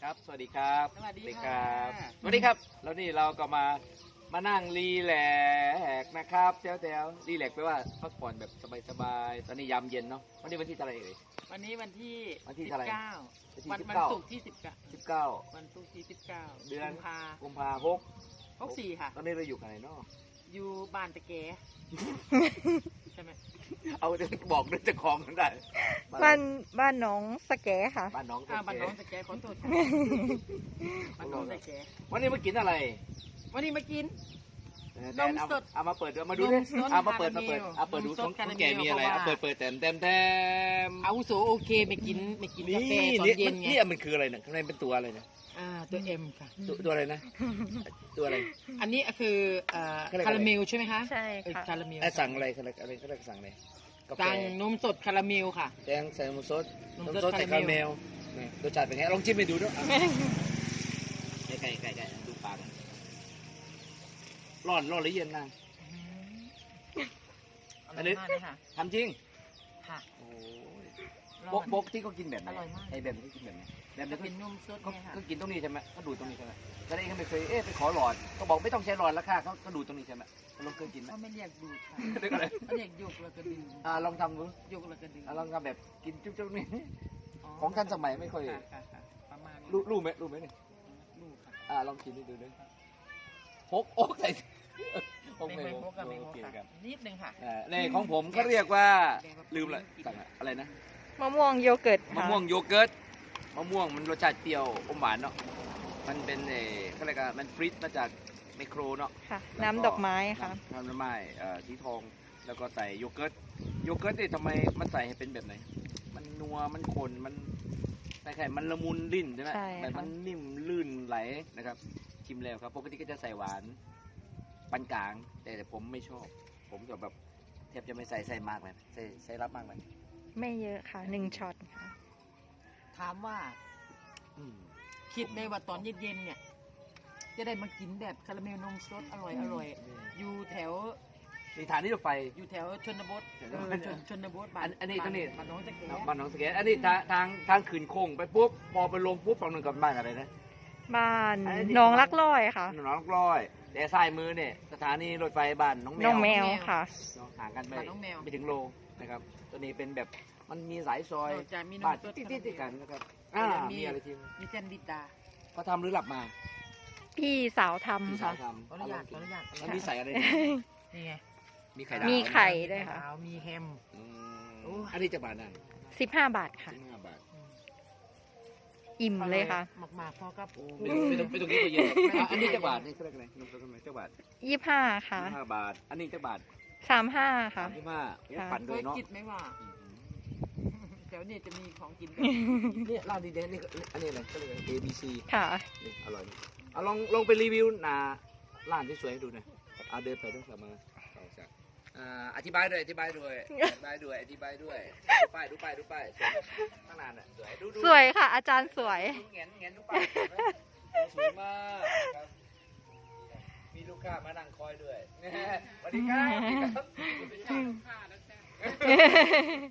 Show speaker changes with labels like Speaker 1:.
Speaker 1: ครับสวัสดีครับ
Speaker 2: สวัสดี
Speaker 1: ค
Speaker 2: ค่ะ
Speaker 1: รับสวัสดีครับแล้วนี่เราก็มานั่งรีแลกซ์นะครับแถวรีแลกซ์แปลว่าพักผ่อนแบบสบายๆตอนนี้ยามเย็นเนาะวันนี้วันที่เท่าไหร่เอ่ย
Speaker 2: วันนี้วันที่
Speaker 1: วันที่เท่าไหร่
Speaker 2: 19วัน
Speaker 1: 19
Speaker 2: ศุกร์ที่19
Speaker 1: 19
Speaker 2: วันศุกร์ที่19
Speaker 1: เดือน
Speaker 2: กุมภา
Speaker 1: กุมภา
Speaker 2: 64ค่ะ
Speaker 1: ตอนนี้เราอยู่กันไหนเนาะ
Speaker 2: อยู่บ้านตะแกใช่ไหม
Speaker 1: เอาบอกด้วยเจะของกันได้
Speaker 3: บ้านน้องสแกค่ะ
Speaker 1: บ้านน้อง
Speaker 2: บ้านน้องตะแกขอโทษค่ะบ้านน้องตะแก
Speaker 1: วันนี้มากินอะไร
Speaker 2: วันนี้มากิน
Speaker 1: แดน
Speaker 2: นมสด
Speaker 1: เอามาเปิดมาดูดิ
Speaker 2: นมสด
Speaker 1: เอามาเปิด
Speaker 2: คาราเมล
Speaker 1: เอาเปิดดู
Speaker 2: นมส
Speaker 1: ข
Speaker 2: ด
Speaker 1: อง
Speaker 2: คาราเมล
Speaker 1: แกมีอะไร
Speaker 2: เพราะว่า
Speaker 1: เอาเปิดแถม
Speaker 2: อาวุโสโอเคไม่กินกาแฟตอน
Speaker 1: นี่
Speaker 2: เย็นไง
Speaker 1: นี่มันคืออะไรเนี่ยข้างในเป็นตัวอะไรเนี่ย
Speaker 2: ตัวเอ็มค่ะ
Speaker 1: ตัวอะไรนะ ตัวอะไร
Speaker 2: อันนี้คือ
Speaker 1: เขาเรียกอะไร
Speaker 2: คาราเมลใช่ไหมคะ
Speaker 3: ใช่ค่ะ
Speaker 2: คาราเมล
Speaker 1: สั่งอะไรอะไรเขาเรียกสั่งอะไรกาแฟ
Speaker 2: สั่งนมสดคาราเมลค่ะ
Speaker 1: แดงใส่นมสด
Speaker 2: นม
Speaker 1: นม
Speaker 2: สด
Speaker 1: สดใส่
Speaker 2: คา
Speaker 1: คา
Speaker 2: รา
Speaker 1: รา
Speaker 2: เม
Speaker 1: เม
Speaker 2: ล
Speaker 1: ลนี่รสชาติเป็นไงลองชิมไปดูด้วยไก่ดูปากร้อนหรือเย็นนาง
Speaker 2: อร่อยมากเลยค่ะ
Speaker 1: ทำจริง
Speaker 2: ค่ะ
Speaker 1: โอ้
Speaker 2: ร้
Speaker 1: บ
Speaker 2: อก น
Speaker 1: บกที่เขากินแบบไหน
Speaker 2: อร่อยมาก
Speaker 1: ไอ้แบบที่กินแบบไหนแบบ
Speaker 2: จะ
Speaker 1: นี้
Speaker 2: เป็นนมสด
Speaker 1: ก็
Speaker 2: เนี่ยค่ะ
Speaker 1: ก็กินตรงนี้ใช่ไหมก็ดูดตรงนี้ใช่ไหมแล้วเองก็ไม่เคยไปขอหลอดก็บอกไม่ต้องใช้หลอดแล้วค่ะก็ดูดตรงนี้ใช่ไหมลองเคยกินไหม
Speaker 2: เขาไม่เรียกดูดค่ะ
Speaker 1: เรียกอะไร
Speaker 2: เขาเรียกยกแล้วก็ดึง
Speaker 1: ลองทำดู
Speaker 2: ยกแล้วก็ดึง
Speaker 1: ลองทำแบบกินจุ๊บๆนี่ ของท่านสมัยไม่ค่อย
Speaker 2: ค่ะประมาณนี้
Speaker 1: รู้ไหมนี่
Speaker 2: ลูกค่ะ
Speaker 1: ลองกินให้ดูด้วยฮกโอ๊กใส่ฮก
Speaker 2: ไม่
Speaker 1: ไม่
Speaker 2: ไม่
Speaker 1: ฮ
Speaker 2: โม
Speaker 1: ก
Speaker 2: กกับไม่โมก
Speaker 1: โอเค
Speaker 2: ค่ะ
Speaker 1: ครับ
Speaker 2: นิดนึงค่ะ
Speaker 1: ในของผมก็เรียกว่าลืมเลยสั่งอะไรนะ
Speaker 3: มะม่วงโยเกิร์ต
Speaker 1: มะ
Speaker 3: ค่ะ
Speaker 1: ม่วงโยเกิร์ตมะม่วงมันรสชาติเปรี้ยวอมหวานเนาะมันเป็นเขาเรียกว่ามันฟรีซมาจากไมโครเนาะ
Speaker 3: ค่ะ น้ำดอกไม้ค่ะ
Speaker 1: น้ำดอกไม้สีทองแล้วก็ใส่โยเกิร์ตนี่ทำไมมันใส่ให้เป็นแบบไหน มันนัวมันขนมันใส่ไข่มันละมุนลิ้นใช่ไหม
Speaker 3: ใช่ค่ะ
Speaker 1: แบบมันนิ่มลื่นไหลนะครับชิมแล้วครับปกติก็จะใส่หวานปานกลางแต่ผมไม่ชอบ ผมจะแบบแทบจะไม่ใส่มากเลยใส่รับมากเลย
Speaker 3: ไม่เยอะค่ะ1ช็อตค่ะ
Speaker 2: ถามว่า
Speaker 1: อืม
Speaker 2: คิดไหมว่าตอนเย็นๆเนี่ย จะได้มากินแบบคาราเมลนมสดอร่อยอยู่แถว
Speaker 1: นี่ฐานที่รถไฟ
Speaker 2: อยู่แถวชนบท ชนบทบ้า
Speaker 1: อันนี้ตรงนี้
Speaker 2: บ้านน้องตะแก
Speaker 1: บ้านหนองสะเก็ดอันนี้ทางขืนโค้งไปปุ๊บพอไปลงปุ๊บฝั่งนึงกับบ้านอะไรนะ
Speaker 3: บ้าน
Speaker 1: อันนี้
Speaker 3: น้องรักร้อยค่ะ
Speaker 1: หนองร้อยแต่ซ้ายมือเนี่ยสถานีรถไฟบ้านน้องแมว
Speaker 3: น้องแมวค่ะ
Speaker 1: ห่างกันไป
Speaker 2: บ้านน้องแมว
Speaker 1: ไม่ถึงโลนะครับตัวนี้เป็นแบบมันมีสายซอย
Speaker 2: จะมีน
Speaker 1: บ้าม น
Speaker 2: สด
Speaker 1: ติดๆกันนะครับ
Speaker 2: มี
Speaker 1: มีอะไรทีม
Speaker 2: มีแซนดิดา
Speaker 1: เขาทำหรือหลับมา
Speaker 3: พี่สาว
Speaker 1: พี่
Speaker 3: ทำ
Speaker 1: สา
Speaker 3: ค่ะ
Speaker 1: วทำ
Speaker 2: ขออนุญาต
Speaker 1: มันมีใส่อะไร
Speaker 2: นี่ไง
Speaker 1: มีไข่ดาว
Speaker 3: มีไข่ด้วยค่ะ
Speaker 2: ขาวมีแฮม
Speaker 1: อืม
Speaker 2: โอ้
Speaker 1: อันนี้จะบาทนะ
Speaker 3: 15 บาทค่ะ
Speaker 1: 15 บาท
Speaker 3: อิ่มเลยค่ะ
Speaker 2: หมากๆพอกับ
Speaker 1: ไม่ต้องกินตัวเย็นหรอกอันนี้จะบาทนี่เขาเรียกอะไรนมสดทำไมจะบาท
Speaker 3: 25 ค่ะ
Speaker 1: 5 บาท อันนี้จะบาท
Speaker 3: 35 ค่ะ
Speaker 1: 35โอ้
Speaker 3: ค่ะ
Speaker 1: ปั่น
Speaker 2: เค
Speaker 1: เลย
Speaker 2: ย
Speaker 1: เนาะ
Speaker 2: คิดไหมว่าแถวนี้จะมีของกินแบบ
Speaker 1: นี่ร้านดีเด่นนี่อันนี้อะไรก็เลย A B C
Speaker 3: ค่ะ
Speaker 1: นี่อร่อยนะเอาลองไปรีวิวหนาร้านที่สวยให้ดูหน่อยเอาเดินไปต้องกลับมาต่อจากอธิบายด้วยดูป้ายสวยข้างหน้าน่ะสวยดู
Speaker 3: สวยค่ะ อาจารย์สวย
Speaker 1: ดูเงี้ยดูป้ายสวยมากครับมีลูกค้ามานั่งคอยด้วยสวัสดีครับ